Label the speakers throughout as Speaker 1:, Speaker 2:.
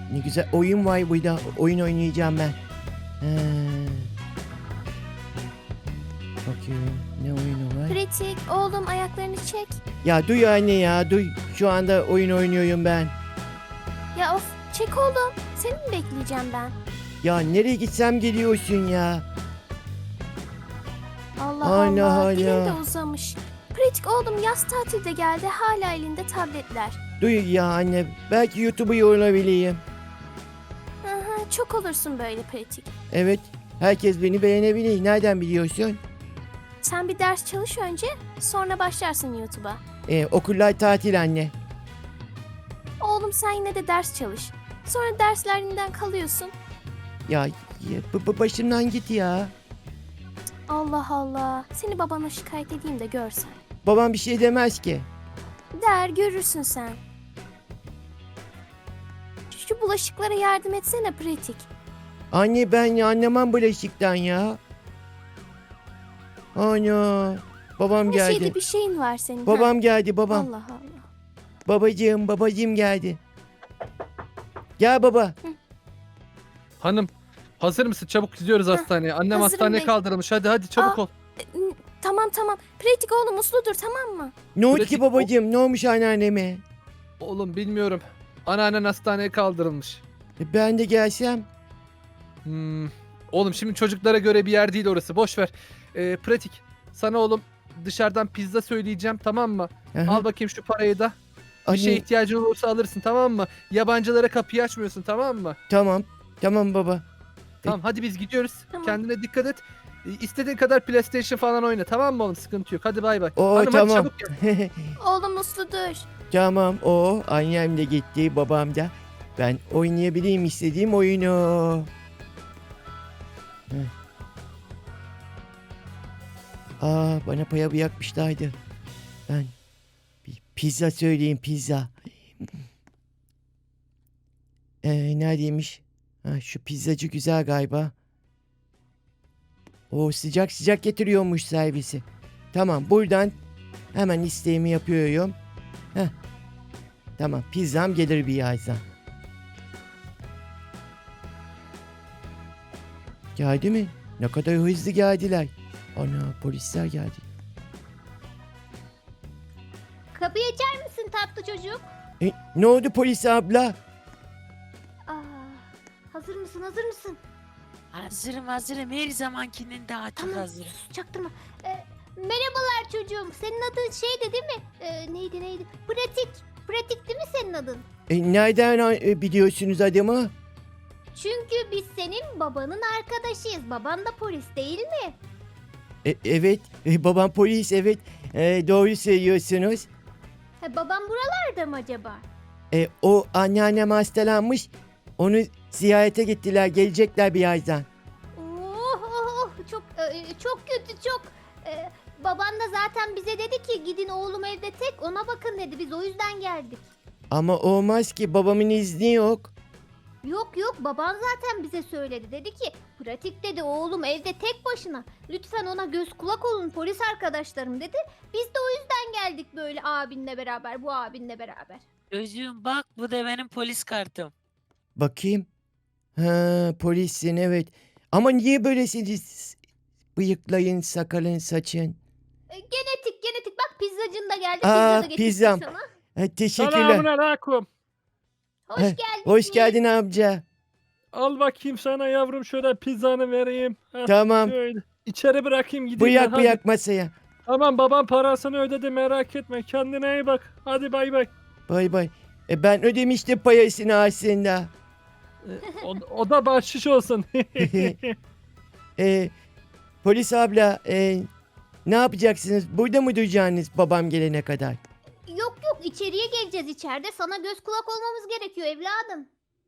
Speaker 1: Ne güzel oyun var burada. Oyun oynayacağım ben. Bakıyorum ne oyunu var.
Speaker 2: Pratik, oğlum ayaklarını çek.
Speaker 1: Ya duy anne ya duy. Şu anda oyun oynuyorum ben.
Speaker 2: Ya of, çek oğlum. Seni mi bekleyeceğim ben?
Speaker 1: Ya nereye gitsem geliyorsun ya.
Speaker 2: Allah
Speaker 1: Hala,
Speaker 2: Allah,
Speaker 1: hala.
Speaker 2: dilin de uzamış. Pratik oğlum yaz tatilde geldi, hala elinde tabletler.
Speaker 1: Duy ya anne. Belki YouTube'u olabileyim.
Speaker 2: Aha, çok olursun böyle pratik.
Speaker 1: Evet. Herkes beni beğenebilir. Nereden biliyorsun?
Speaker 2: Sen bir ders çalış önce, sonra başlarsın YouTube'a.
Speaker 1: Okullar tatil anne.
Speaker 2: Oğlum sen yine de ders çalış. Sonra derslerinden kalıyorsun.
Speaker 1: Ya, başımdan git ya.
Speaker 2: Allah Allah. Seni babana şikayet edeyim de görsen.
Speaker 1: Babam bir şey demez ki.
Speaker 2: Der, görürsün sen. Şu bulaşıklara yardım etsene pratik.
Speaker 1: Anne ben anlamam bulaşıktan ya. Ana. Babam
Speaker 2: Her
Speaker 1: geldi.
Speaker 2: şeyde bir şeyin var senin.
Speaker 1: Babam geldi babam.
Speaker 2: Allah Allah.
Speaker 1: Babacığım geldi. Gel baba.
Speaker 3: Hanım hazır mısın? Çabuk gidiyoruz hastaneye. Annem
Speaker 2: hazırım
Speaker 3: hastaneye
Speaker 2: bey.
Speaker 3: kaldırılmış. Hadi çabuk
Speaker 2: Aa.
Speaker 3: ol.
Speaker 2: Tamam. Pratik oğlum uslu dur, tamam mı?
Speaker 1: Ne oldu ki
Speaker 3: Pratik,
Speaker 1: babacığım? Ne olmuş anneanneme?
Speaker 3: Oğlum bilmiyorum. Anneannen hastaneye kaldırılmış.
Speaker 1: Ben de gelsem.
Speaker 3: Oğlum şimdi çocuklara göre bir yer değil orası. Boş ver. Pratik. Sana oğlum dışarıdan pizza söyleyeceğim, tamam mı?
Speaker 1: Aha.
Speaker 3: Al bakayım şu parayı da. Bir
Speaker 1: Anne,
Speaker 3: şeye ihtiyacın olursa alırsın, tamam mı? Yabancılara kapıyı açmıyorsun, tamam mı?
Speaker 1: Tamam. Tamam baba.
Speaker 3: Tamam hadi biz gidiyoruz.
Speaker 2: Tamam.
Speaker 3: Kendine dikkat et. İstediğin kadar PlayStation falan oyna, tamam mı oğlum? Sıkıntı yok. Hadi bay bay.
Speaker 1: Oo
Speaker 3: Hanım hadi
Speaker 1: tamam.
Speaker 3: çabuk gel.
Speaker 2: Oğlum uslu dur.
Speaker 1: Tamam. O annem de gitti, babam da. Ben oynayabileyim istediğim oyunu. Heh. Bana paya bırakmışlardı. Ben bir pizza söyleyeyim, pizza. Neredeymiş? Şu pizzacı güzel galiba. O sıcak sıcak getiriyormuş servisi. Tamam buradan hemen isteğimi yapıyorum. Heh. Tamam pizzam gelir birazdan. Geldi mi? Ne kadar hızlı geldiler. Ana polisler geldi.
Speaker 4: Kapıyı açar mısın tatlı çocuk?
Speaker 1: Ne oldu polis abla?
Speaker 4: Hazır mısın? Hazır mısın?
Speaker 5: Hazırım. Her zamankinden daha çok
Speaker 4: Tamam.
Speaker 5: hazırım.
Speaker 4: Çaktırma. Merhabalar çocuğum. Senin adın şeydi değil mi? Neydi? Pratik. Pratik değil mi senin adın?
Speaker 1: Nereden biliyorsunuz adımı?
Speaker 4: Çünkü biz senin babanın arkadaşıyız. Baban da polis değil mi?
Speaker 1: Evet. Babam polis evet. Doğru söylüyorsunuz.
Speaker 4: Babam buralarda mı acaba?
Speaker 1: O anneannem hastalanmış. Onu ziyarete gittiler. Gelecekler birazdan.
Speaker 4: Çok kötü çok. Baban da zaten bize dedi ki gidin oğlum evde tek ona bakın dedi. Biz o yüzden geldik.
Speaker 1: Ama olmaz ki babamın izni yok.
Speaker 4: Yok baban zaten bize söyledi. Dedi ki pratik dedi oğlum evde tek başına. Lütfen ona göz kulak olun polis arkadaşlarım dedi. Biz de o yüzden geldik böyle abinle beraber bu abinle beraber.
Speaker 5: Çocuğum bak bu da benim polis kartım.
Speaker 1: Bakayım. Polissin evet. Ama niye böylesiniz? Bıyıklayın, sakalın, saçın.
Speaker 4: Genetik bak pizzacın da geldi.
Speaker 1: Aa,
Speaker 4: Pizza da getirdim
Speaker 1: pizzam.
Speaker 4: sana.
Speaker 1: Teşekkürler.
Speaker 3: Selamünaleyküm.
Speaker 4: Hoş
Speaker 1: Heh,
Speaker 4: geldin.
Speaker 1: Hoş geldin amca.
Speaker 3: Al bakayım sana yavrum şöyle pizzanı vereyim. Heh,
Speaker 1: Tamam.
Speaker 3: şöyle. İçeri bırakayım gideyim ben, hadi.
Speaker 1: Bıyak masaya.
Speaker 3: Tamam babam parasını ödedi merak etme. Kendine iyi bak. Hadi bay bay.
Speaker 1: Bay bay. Ben ödemiştim payasını aslında.
Speaker 3: O da bahşiş olsun.
Speaker 1: Polis abla ne yapacaksınız? Burada mı duracaksınız babam gelene kadar?
Speaker 4: Yok içeriye geleceğiz içeride. Sana göz kulak olmamız gerekiyor evladım.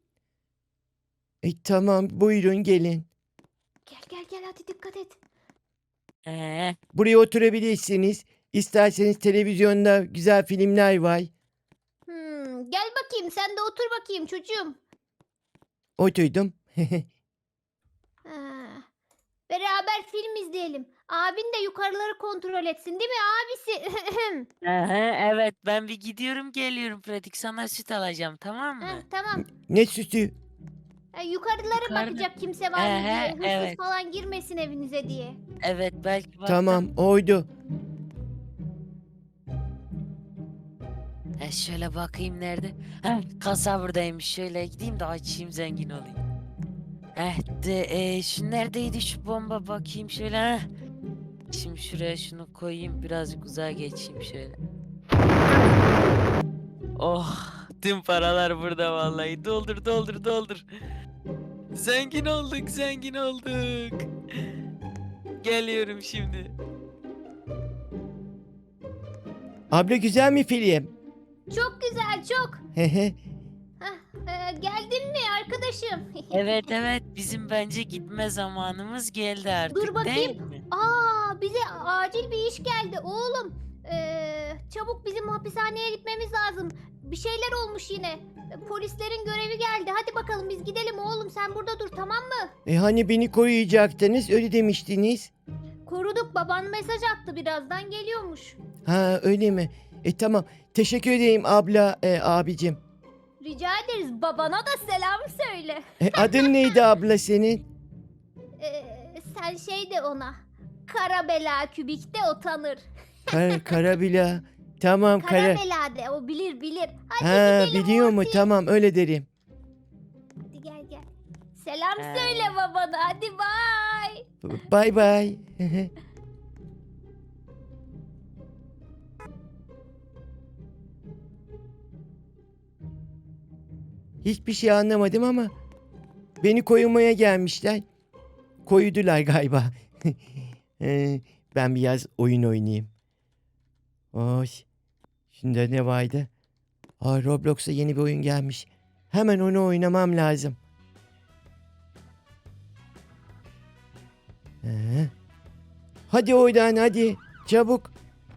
Speaker 1: Tamam buyurun gelin.
Speaker 4: Gel hadi dikkat et.
Speaker 1: Buraya oturabilirsiniz. İsterseniz televizyonda güzel filmler var.
Speaker 4: Gel bakayım sen de otur bakayım çocuğum.
Speaker 1: Oturdum.
Speaker 4: Ha, Beraber film izleyelim. Abin de yukarıları kontrol etsin değil mi abisi?
Speaker 5: Aha, evet ben bir gidiyorum geliyorum pratik sana süt alacağım tamam mı?
Speaker 4: Tamam.
Speaker 1: Ne sütü?
Speaker 4: Yukarılara
Speaker 5: Yukarıda-
Speaker 4: bakacak kimse var mı diye. Hırsız
Speaker 5: evet.
Speaker 4: falan girmesin evinize diye.
Speaker 5: Evet belki baktım.
Speaker 1: Tamam oydu.
Speaker 5: Şöyle bakayım nerede? Kasa buradaymış şöyle gideyim de açayım zengin olayım. Şu neredeydi şu bomba bakayım şöyle. Şimdi şuraya şunu koyayım birazcık uzağa geçeyim şöyle. Oh tüm paralar burada vallahi doldur doldur doldur. Zengin olduk zengin olduk. Geliyorum şimdi.
Speaker 1: Abla güzel mi film?
Speaker 4: Çok güzel çok.
Speaker 1: Hehe.
Speaker 4: Geldin mi arkadaşım?
Speaker 5: Evet evet bizim bence gitme zamanımız geldi artık
Speaker 4: Dur bakayım.
Speaker 5: değil mi?
Speaker 4: Bize acil bir iş geldi oğlum. Çabuk bizim hapishaneye gitmemiz lazım. Bir şeyler olmuş yine. Polislerin görevi geldi. Hadi bakalım biz gidelim oğlum. Sen burada dur tamam mı?
Speaker 1: Hani beni koruyacaktınız öyle demiştiniz.
Speaker 4: Koruduk. Baban mesaj attı. Birazdan geliyormuş.
Speaker 1: Ha öyle mi? Tamam. Teşekkür ederim abla abicim.
Speaker 4: Rica ederiz. Babana da selam söyle.
Speaker 1: Adın neydi abla senin?
Speaker 4: Sen şey de ona. Kara bela kübikte o tanır.
Speaker 1: Karabila. Tamam
Speaker 4: Kara
Speaker 1: kara.
Speaker 4: bela de o bilir. Hadi
Speaker 1: Ha
Speaker 4: gidelim
Speaker 1: biliyor mu?
Speaker 4: Orti.
Speaker 1: Tamam öyle derim.
Speaker 4: Hadi gel. Selam
Speaker 5: Ha.
Speaker 4: söyle babana. Hadi bay.
Speaker 1: Bay bay. Hiçbir şey anlamadım ama beni koyulmaya gelmişler. Koydular galiba. Ben biraz oyun oynayayım. Oy. Şimdi ne vardı? Roblox'a yeni bir oyun gelmiş. Hemen onu oynamam lazım. Hadi oradan hadi. Çabuk.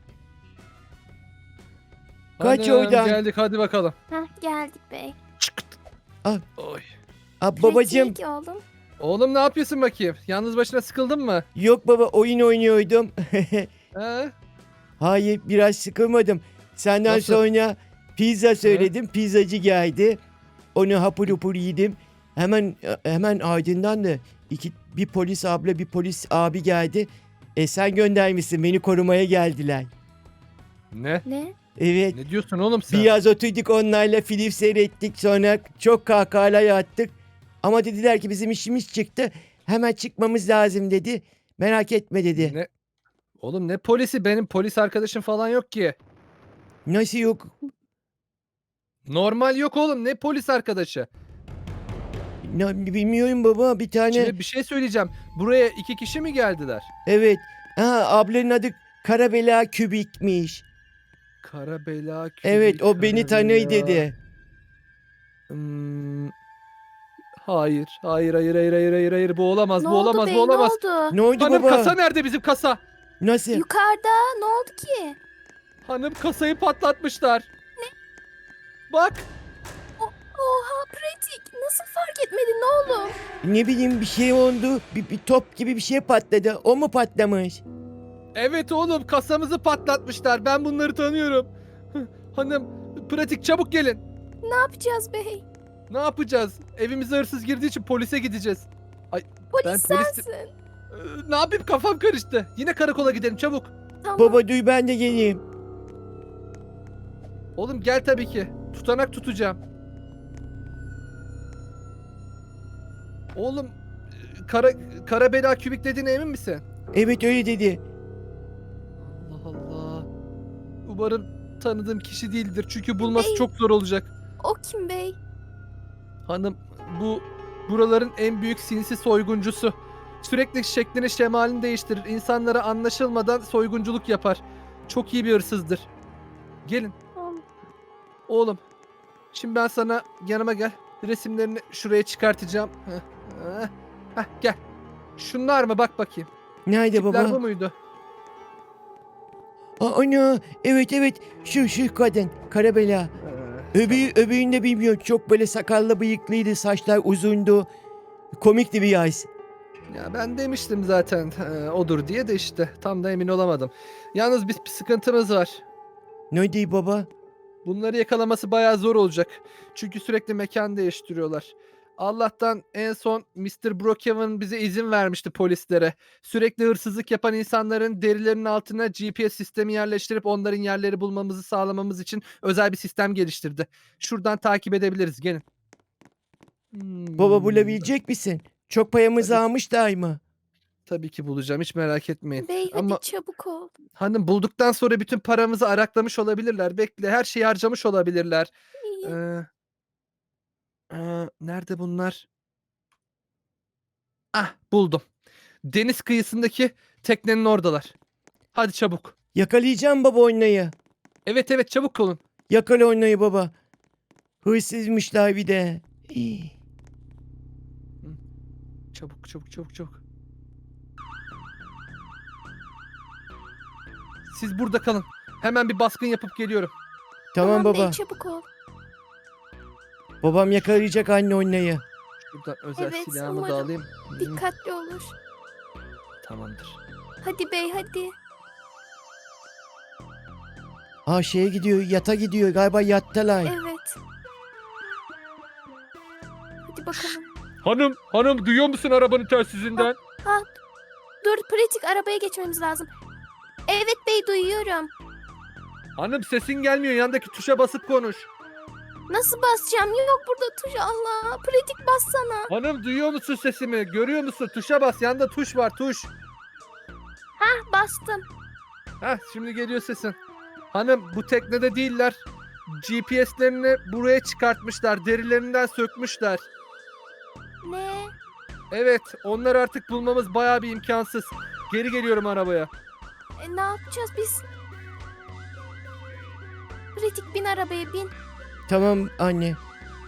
Speaker 1: Kaç
Speaker 3: Hanım,
Speaker 1: oradan.
Speaker 3: geldik hadi bakalım.
Speaker 2: Geldik bey.
Speaker 3: Oy.
Speaker 1: Babacım.
Speaker 2: Pratik oğlum.
Speaker 3: Oğlum ne yapıyorsun bakayım? Yalnız başına sıkıldın mı?
Speaker 1: Yok baba oyun oynuyordum.
Speaker 3: He?
Speaker 1: Hayır biraz sıkılmadım. Senden
Speaker 3: Nasıl?
Speaker 1: sonra pizza söyledim. Pizzacı geldi. Onu hapur hapur yedim. Hemen ardından da bir polis abla bir polis abi geldi. Sen göndermişsin beni korumaya geldiler.
Speaker 3: Ne?
Speaker 2: Ne?
Speaker 1: Evet.
Speaker 3: Ne diyorsun oğlum sen?
Speaker 1: Biraz oturduk onlarla film seyrettik sonra çok kahkahalar attık. Ama dediler ki bizim işimiz çıktı. Hemen çıkmamız lazım dedi. Merak etme dedi.
Speaker 3: Ne? Oğlum ne polisi? Benim polis arkadaşım falan yok ki.
Speaker 1: Nasıl yok?
Speaker 3: Normal yok oğlum. Ne polis arkadaşı?
Speaker 1: Bilmiyorum baba bir tane.
Speaker 3: Şimdi bir şey söyleyeceğim. Buraya 2 kişi mi geldiler?
Speaker 1: Evet. Ablanın adı Karabela Kübik'miş.
Speaker 3: Kara bela kübik,
Speaker 1: Evet o beni
Speaker 3: kara
Speaker 1: tanıy
Speaker 3: bela.
Speaker 1: dedi.
Speaker 3: Hayır. Bu olamaz.
Speaker 2: Ne
Speaker 3: bu
Speaker 2: oldu
Speaker 3: olamaz.
Speaker 2: bey?
Speaker 3: Bu olamaz.
Speaker 2: Ne oldu?
Speaker 1: Ne oldu
Speaker 3: Hanım
Speaker 1: baba?
Speaker 3: kasa nerede bizim kasa?
Speaker 1: Nasıl?
Speaker 2: Yukarıda. Ne oldu ki?
Speaker 3: Hanım kasayı patlatmışlar. Ne? Bak.
Speaker 2: Oha pratik. Nasıl fark etmedin ne oğlum?
Speaker 1: Ne bileyim bir şey oldu. Bir top gibi bir şey patladı. O mu patlamış?
Speaker 3: Evet oğlum kasamızı patlatmışlar. Ben bunları tanıyorum. Hanım pratik çabuk gelin.
Speaker 2: Ne yapacağız bey?
Speaker 3: Ne yapacağız? Evimize hırsız girdiği için polise gideceğiz.
Speaker 2: Polis
Speaker 3: Ben polisim.
Speaker 2: sensin.
Speaker 3: Ne yapayım kafam karıştı. Yine karakola gidelim çabuk.
Speaker 2: Tamam.
Speaker 1: Baba duy ben de geleyim.
Speaker 3: Oğlum gel tabii ki. Tutanak tutacağım. Oğlum kara bela kübik dediğine emin misin?
Speaker 1: Evet öyle dedi.
Speaker 3: Allah Allah. Umarım tanıdığım kişi değildir. Çünkü bulması
Speaker 2: Bey.
Speaker 3: çok zor olacak.
Speaker 2: O kim bey?
Speaker 3: Hanım buraların en büyük sinsi soyguncusu. Sürekli şeklini şemalini değiştirir. İnsanlara anlaşılmadan soygunculuk yapar. Çok iyi bir hırsızdır. Gelin.
Speaker 2: Oğlum.
Speaker 3: Oğlum. Şimdi ben sana yanıma gel. Resimlerini şuraya çıkartacağım. Heh, gel. Şunlar mı? Bak bakayım.
Speaker 1: Nerede
Speaker 3: Tipler bu
Speaker 1: baba?
Speaker 3: muydu?
Speaker 1: Ana evet şu kadın Karabela. Öbüğünü de bilmiyorum. Çok böyle sakallı bıyıklıydı. Saçlar uzundu. Komikti bir yaz.
Speaker 3: Ya ben demiştim zaten odur diye de işte tam da emin olamadım. Yalnız bir sıkıntımız var.
Speaker 1: Ne diyor baba?
Speaker 3: Bunları yakalaması bayağı zor olacak. Çünkü sürekli mekan değiştiriyorlar. Allah'tan en son Mr. Brookhaven bize izin vermişti polislere. Sürekli hırsızlık yapan insanların derilerinin altına GPS sistemi yerleştirip onların yerleri bulmamızı sağlamamız için özel bir sistem geliştirdi. Şuradan takip edebiliriz. Gelin.
Speaker 1: Baba bulabilecek misin? Çok payamızı
Speaker 3: Tabii.
Speaker 1: almış daima.
Speaker 3: Tabii ki bulacağım. Hiç merak etmeyin.
Speaker 2: Bey hadi
Speaker 3: Ama
Speaker 2: çabuk ol.
Speaker 3: hanım bulduktan sonra bütün paramızı araklamış olabilirler. Bekle, her şeyi harcamış olabilirler.
Speaker 2: İyi.
Speaker 3: Nerede bunlar? Ah, buldum. Deniz kıyısındaki teknenin oradalar. Hadi çabuk.
Speaker 1: Yakalayacağım baba oynayı.
Speaker 3: Evet evet çabuk olun.
Speaker 1: Yakala oynayı baba. Hırsızmışlar bir de. Hii.
Speaker 3: Çabuk çabuk çabuk çabuk. Siz burada kalın. Hemen bir baskın yapıp geliyorum.
Speaker 1: Tamam
Speaker 2: Bey
Speaker 1: baba.
Speaker 2: çabuk ol.
Speaker 1: Babam yakalayacak anne oynayı.
Speaker 3: Şuradan özel
Speaker 2: Evet,
Speaker 3: silahımı da
Speaker 2: umarım.
Speaker 3: alayım.
Speaker 2: Dikkatli olur.
Speaker 3: Tamamdır.
Speaker 2: Hadi bey hadi.
Speaker 1: Ha şeye gidiyor, yata gidiyor. Galiba yattalar.
Speaker 2: Evet. Hadi bakalım.
Speaker 3: Hanım duyuyor musun arabanın telsizinden?
Speaker 2: Dur pratik arabaya geçmemiz lazım. Evet bey duyuyorum.
Speaker 3: Hanım sesin gelmiyor. Yandaki tuşa basıp konuş.
Speaker 2: Nasıl basacağım? Yok burada tuş Allah. Pratik bassana.
Speaker 3: Hanım duyuyor musun sesimi? Görüyor musun? Tuşa bas. Yanda tuş var tuş.
Speaker 2: Bastım.
Speaker 3: Heh şimdi geliyor sesin. Hanım bu teknede değiller. GPS'lerini buraya çıkartmışlar. Derilerinden sökmüşler.
Speaker 2: Ne?
Speaker 3: Evet onları artık bulmamız bayağı bir imkansız. Geri geliyorum arabaya.
Speaker 2: Ne yapacağız biz? Pratik bin arabaya bin.
Speaker 1: Tamam anne.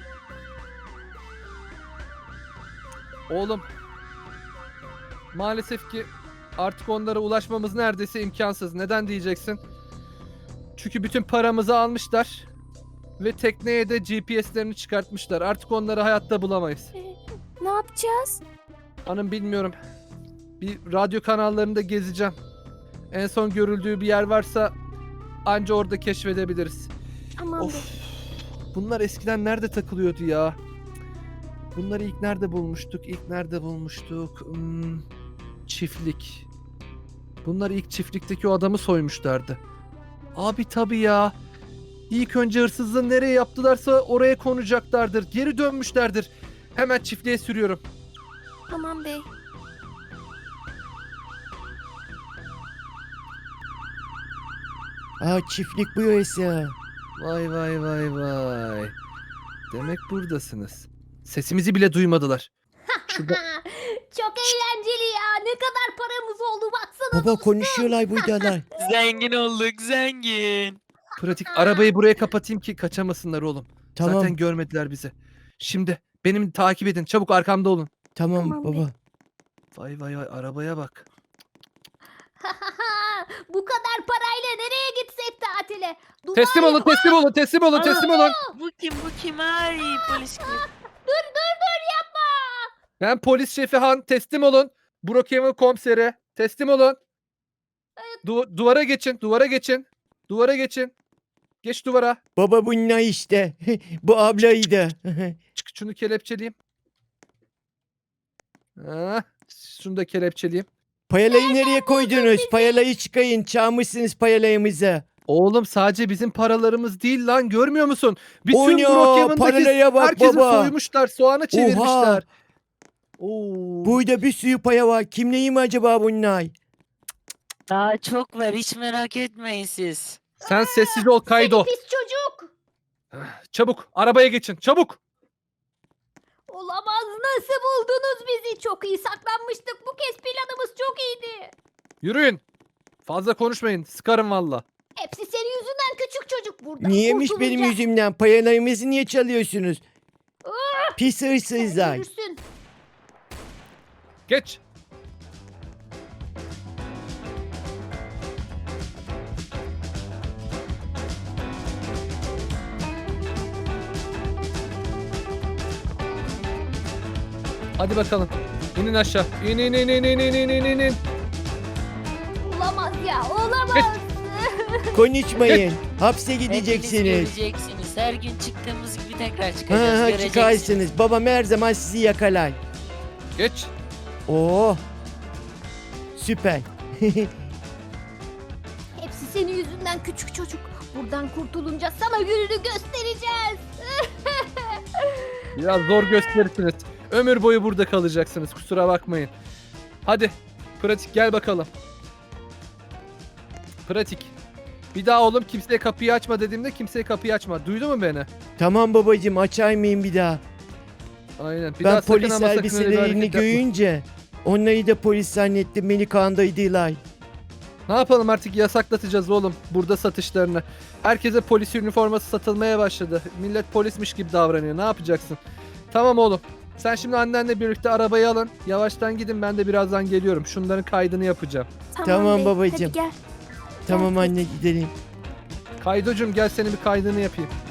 Speaker 3: Oğlum. Maalesef ki artık onlara ulaşmamız neredeyse imkansız. Neden diyeceksin? Çünkü bütün paramızı almışlar. Ve tekneye de GPS'lerini çıkartmışlar. Artık onları hayatta bulamayız.
Speaker 2: Ne yapacağız?
Speaker 3: Hanım bilmiyorum. Bir radyo kanallarında gezeceğim. En son görüldüğü bir yer varsa anca orada keşfedebiliriz.
Speaker 2: Aman
Speaker 3: Of.
Speaker 2: bey.
Speaker 3: Bunlar eskiden nerede takılıyordu ya? Bunları ilk nerede bulmuştuk? Çiftlik. Bunlar ilk çiftlikteki o adamı soymuşlardı. Abi tabii ya. İlk önce hırsızlığı nereye yaptılarsa oraya konacaklardır. Geri dönmüşlerdir. Hemen çiftliğe sürüyorum.
Speaker 2: Aman bey.
Speaker 1: Aa çiftlik bu yasa.
Speaker 3: Vay vay vay vay. Demek buradasınız. Sesimizi bile duymadılar. Şurada
Speaker 4: Çok eğlenceli ya. Ne kadar paramız oldu baksana.
Speaker 1: Baba konuşuyorlar buradalar.
Speaker 5: Zengin olduk zengin.
Speaker 3: pratik arabayı buraya kapatayım ki kaçamasınlar oğlum.
Speaker 1: Tamam.
Speaker 3: Zaten görmediler bizi. Şimdi benim takip edin. Çabuk arkamda olun.
Speaker 1: Tamam
Speaker 2: Tamam bey.
Speaker 1: baba.
Speaker 3: Vay vay vay arabaya bak.
Speaker 4: Bu kadar parayla nereye gitsek tatile? Dubai
Speaker 3: Teslim olun, teslim olun, teslim olun, teslim olun.
Speaker 5: Bu kim? Ay polis kim?
Speaker 4: Dur yapma.
Speaker 3: Ben polis şefi Han, teslim olun. Brookhaven komiseri, teslim olun. Duvara geçin, duvara geçin. Duvara geçin. Geç duvara.
Speaker 1: Baba bunlar işte. Bu ablaydı.
Speaker 3: Çık şunu kelepçeleyeyim. Ha, şunu da kelepçeleyeyim.
Speaker 1: Payalayı nereye koydunuz? Payalayı çıkayın. Çalmışsınız payalayımızı.
Speaker 3: Oğlum sadece bizim paralarımız değil lan görmüyor musun? Bütün
Speaker 1: O ne o?
Speaker 3: Brookhaven'daki
Speaker 1: Paralaya bak
Speaker 3: herkesi
Speaker 1: baba.
Speaker 3: soymuşlar, soğana çevirmişler. Oo.
Speaker 1: Burada bir sürü paya var. Kimleyim acaba bunlar?
Speaker 5: Daha çok var hiç merak etmeyin siz.
Speaker 3: Sen sessiz ol Kaydo.
Speaker 4: Pis çocuk.
Speaker 3: Çabuk arabaya geçin çabuk.
Speaker 4: Olamaz, nasıl buldunuz bizi? Çok iyi saklanmıştık. Bu kez planımız çok iyiydi.
Speaker 3: Yürüyün. Fazla konuşmayın sıkarım valla.
Speaker 4: Hepsi senin yüzünden küçük çocuk. Buradan
Speaker 1: Niyemiş benim
Speaker 4: kurtulacak.
Speaker 1: yüzümden? Payalayımızı niye çalıyorsunuz? Pis
Speaker 4: Sen
Speaker 1: hırsızlar.
Speaker 4: görürsün.
Speaker 3: Geç. Hadi bakalım. İnin aşağı. İn.
Speaker 4: Olamaz ya, olamaz.
Speaker 1: Konuşmayın. Hapse
Speaker 5: Hepiniz
Speaker 1: gideceksiniz.
Speaker 5: göreceksiniz. Her gün çıktığımız gibi tekrar çıkacağız.
Speaker 1: Ha, ha,
Speaker 5: Göreceksiniz.
Speaker 1: çıkarsınız. Babam her zaman sizi yakalar.
Speaker 3: Geç.
Speaker 1: Oo. Süper.
Speaker 4: Hepsi senin yüzünden küçük çocuk. Buradan kurtulunca sana gününü göstereceğiz.
Speaker 3: Biraz zor gösterirsiniz. Ömür boyu burada kalacaksınız. Kusura bakmayın. Hadi. Pratik gel bakalım. Pratik. Bir daha oğlum kimseye kapıyı açma dediğimde kimseye kapıyı açma. Duydu mu beni?
Speaker 1: Tamam babacığım, açar mıyım bir daha?
Speaker 3: Aynen. Bir
Speaker 1: Ben
Speaker 3: daha sakın
Speaker 1: polis
Speaker 3: ama sakın öyle bir
Speaker 1: elbiselerini
Speaker 3: hareket yapma.
Speaker 1: görünce onları da polis zannettim, beni kandırdılar.
Speaker 3: Ne yapalım artık, yasaklatacağız oğlum burada satışlarını. Herkese polis üniforması satılmaya başladı. Millet polismiş gibi davranıyor. Ne yapacaksın? Tamam oğlum. Sen şimdi annenle birlikte arabayı alın. Yavaştan gidin, ben de birazdan geliyorum. Şunların kaydını yapacağım.
Speaker 1: Tamam
Speaker 2: bey,
Speaker 1: babacığım.
Speaker 2: Hadi gel.
Speaker 1: Tamam anne, gidelim.
Speaker 3: Kaydocuğum gel senin bir kaydını yapayım.